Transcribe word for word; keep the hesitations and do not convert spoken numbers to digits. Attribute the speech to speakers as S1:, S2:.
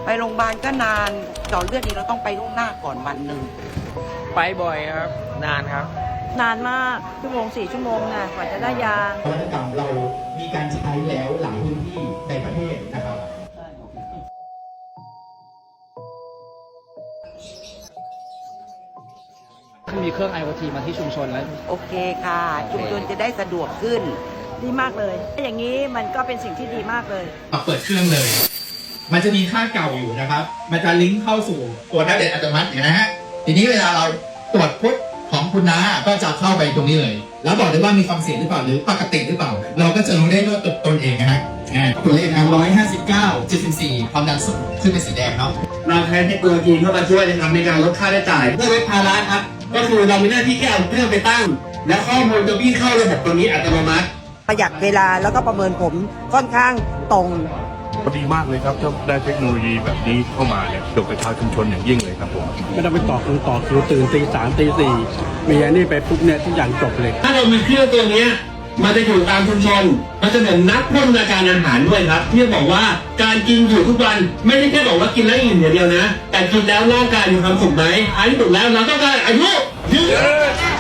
S1: ไปโรงพยาบาลก็นานเจาะเลือดนี่เราต้องไปล่วงหน้าก่อนวันหนึ่ง
S2: ไปบ่อยครับนานครับ
S3: นานมากชั่วโมงสี่ชั่วโมงนะกว่าจะได้ยาน
S4: วัตกรรมเรามีการใช้แล้วหลายพื้นที่ในประเทศนะครับ
S2: มีเครื่อง ไอ โอ ที มาที่ชุมชนแล้ว
S1: โอเคค่ะชุมชนจะได้สะดวกขึ้น
S3: ดีมากเลยอย่างนี้มันก็เป็นสิ่งที่ดีมากเลย
S4: เปิดเครื่องเลยมันจะมีค่าเก่าอยู่นะครับมันจะลิงก์เข้าสู่ตัวแท็บเล็ตอัตโนมัตินะฮะทีนี้เวลาเราตรวจพุทของคุณน้าก็จะเข้าไปตรงนี้เลยแล้วบอกได้ว่ามีความเสี่ยงหรือเปล่าหรือปกติหรือเปล่าเราก็จะรู้ได้ด้วยตนเองนะฮะตัวเลขนะร้อยห้าสิบเก้าจุดสิบสี่ความดันสูงขึ้นเป็นสีแดงเนาะ
S5: เราใช้เทคโนโลยีเข้ามาช่วยนะครับในการลดค่าใช้จ่ายเพื่อลดภาระครับก็คือเรามีหน้าที่แค่เอาเครื่องไปตั้งและข้อมูลจะวิ่งเข้าระบบตัวนี้อัตโนมัติ
S1: ประหยัดเวลาแล้วก็ประเมินผมค่อนข้างตรง
S6: ดีมากเลยครับถ้าได้เทคโนโลยีแบบนี้เข้ามาเนี่ยเดี๋ยวกับชาวชุมชนอย่างยิ่งเลยครับผม
S7: ไม่ต้องไปต่อคิวต่อคิวตื่นตีสามตีสี่มีอันนี้ไปปุ๊บเนี่ยทุกอย่างจบเลย
S5: ถ้าเรามีเครื่องตัวนี้มันจะอยู่ตามชุมชนมันจะเหมือนนักพัฒนาการอาหารด้วยครับที่บอกว่าการกินอยู่ทุกวันไม่ได้แค่บอกว่ากินแล้วอิ่มอย่างเดียวนะแต่กินแล้วร่างกายมีความสุขไหมท้ายที่สุดแล้วเราต้องการอายุยืน